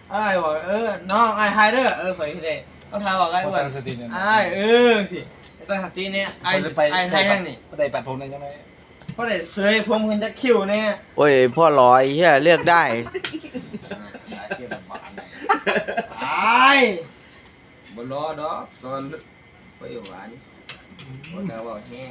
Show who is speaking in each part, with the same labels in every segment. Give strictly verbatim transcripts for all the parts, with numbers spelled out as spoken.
Speaker 1: ไอ้บอกเออน้องไอ้ไฮเดอร์เออข่อยเลยต้องทายบอกไอ้อ้วนไอ้เออสิตั้งสติเนี่ยไอ้ไอ้ไทยยังนี่
Speaker 2: ได้ปัดผมเลยใช่ไหม
Speaker 1: เพราะเด็ดเซยพวงคุณจะคิวเนี่ย
Speaker 3: โอ้ยพ่อลอยเฮียเลือกได้
Speaker 1: ตายบนล้อดอกตอนไปหวานบนดาวบอกแห้ง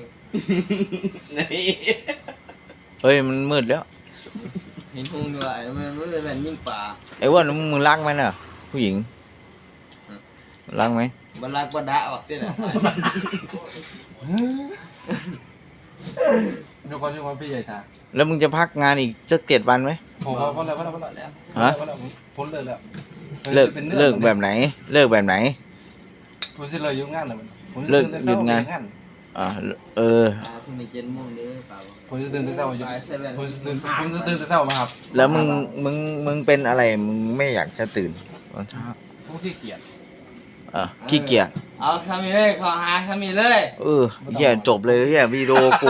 Speaker 3: เฮ้ยมันมืดแล้ว
Speaker 1: เห็นพุงด้วยมันมันเป็นแบบยิ่งป่า
Speaker 3: ไอ้อ้ว่ามึงรักไหมน่ะผู้หญิงรักไหม
Speaker 1: บรรลักบรรดาบอกที่ไหน
Speaker 2: ทุกคนทุกคนพี่ใหญ่ท่า
Speaker 3: แล้วมึงจะพักงานอีกจะเจ็ดวันไหม
Speaker 2: ผมพอแล้วพอแล้วพอแล้ว
Speaker 3: ฮะ
Speaker 2: พ้นเลยแล้ว
Speaker 3: เลิกเลิกแบบไหน เลิกแบบไหน
Speaker 2: ผมสิเลยยุ่งงานเลยผม
Speaker 3: เลิกหยุดงาน อ่าเออ
Speaker 1: พรุ่งนี้เจ็ดโมงเด้อเปล่า
Speaker 2: ผมจะตื่นแต่เช้าผมจะตื่นผมจะตื่นแต่เช้ามาครับ
Speaker 3: แล้วมึงมึงมึงเป็นอะไรมึงไม่อยากจะตื่นตอนเช้า
Speaker 2: ผู้ขี้เกียจ
Speaker 3: เออขี้เกียจ
Speaker 1: เอาทำมีเลยขอหาทำมีเลย
Speaker 3: เออเฮียจบเลยเฮียวิดีโอกู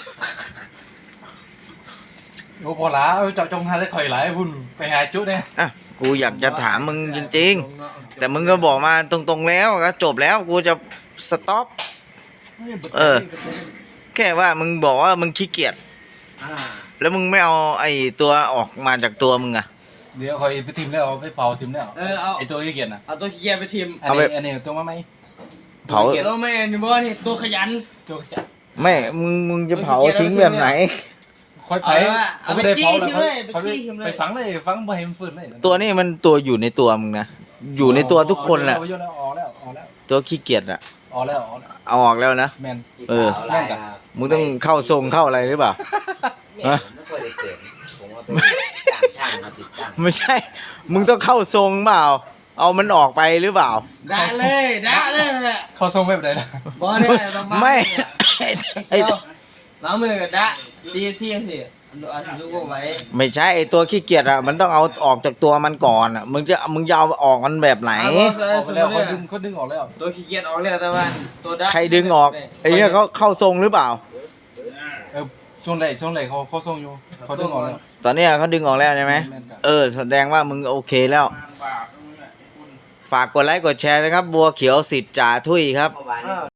Speaker 2: โอ้พอละเจาะจงหาได้ข่อยหลายพุ่นไปหาจุดเนี่ย
Speaker 3: อ่ะกูอยากจะถามมึงจริงๆ แต่มึงก็บอกมาตรงๆแล้วก็จบแล้วกูจะสต็อป เออ แค่ว่ามึงบอกว่ามึงขี้เกียจ
Speaker 1: อ่า
Speaker 3: แล้วมึงไม่เอาไอ้ตัวออกมาจากตัวมึงอะ
Speaker 2: เดี๋ยวข่อยไปทิมแล้วไปเผาทิมแล้ว
Speaker 1: เออเอา
Speaker 2: ไอตัวขี้เกียจนะ
Speaker 1: เอาตัวขี้เกียจไปทิม
Speaker 2: อันนี้อันนี้ตัวมาไหม
Speaker 3: เผา
Speaker 1: เออไม่นี่บ่นี่ตัวขยัน
Speaker 2: ตัวขี้เกียจ
Speaker 3: ไม่มึงมึงจะเผาทิ้งแบบไหน
Speaker 2: ค่อยไปเขาไม่ได้เผาแล้วเขาไปฝังเลยฝังบ่ให้มันฟื้นเลย
Speaker 3: ตัวนี้มันตัวอยู่ในตัวมึงนะอยู่ในตัวทุกคนแหละ
Speaker 2: ออกแล้วออกแล้วออกแล้ว
Speaker 3: ตัวขี้เกียจอะ
Speaker 2: ออกแล้วออกแล้ว
Speaker 3: เอาออกแล้วนะ
Speaker 2: แมน
Speaker 3: เออ
Speaker 2: แม่นกับ
Speaker 3: มึงต้องเข้าทรงเข้าอะไรหรือเปล่า
Speaker 4: เนี่ยผมไม่ค่อยได้เกิดผมว่าเป็นจ้างช่างมาติดตั้ง
Speaker 3: ไม่ใช่ มึงต้องเข้าทรงเปล่า เอามันออกไปหรือเปล่า
Speaker 1: ด่าเลยด่าเลย
Speaker 2: เขาส่งแบบไหนล่ะ
Speaker 1: บ่เนี่ยประาณ
Speaker 3: ไม่ ไอ้
Speaker 1: ล้างมือกันด่าซีซีสิอันลูกไว้
Speaker 3: ไม่ใช่ไอ้ตัวขี้เกียจอะมันต้องเอาออกจากตัวมันก่อนอะมึงจะมึงจะเอาออกมันแบบไหน
Speaker 2: ออกไปแล้วเขาดึงเขาดึงออกแล้ว
Speaker 1: ตัวขี้เกียจออกแล้วแต่ว่าตัวด่า
Speaker 3: ใครดึงออกไอ้เนี่ยเขาเข้าทรงหรือเปล่า
Speaker 2: เออช่วงไหนช่วงไหนเขาเขาส่งอยู่เขาดึงออกแล้ว
Speaker 3: ตอนเนี้ยเขาดึงออกแล้วใช่ไหม
Speaker 2: แม่นกับ
Speaker 3: เออแสดงว่ามึงโอเคแล้ว ฝากกดไลค์กดแชร์นะครับ บัวเขียวสิทธิ์จ่าทุยครับ
Speaker 4: เมื่อวานนี้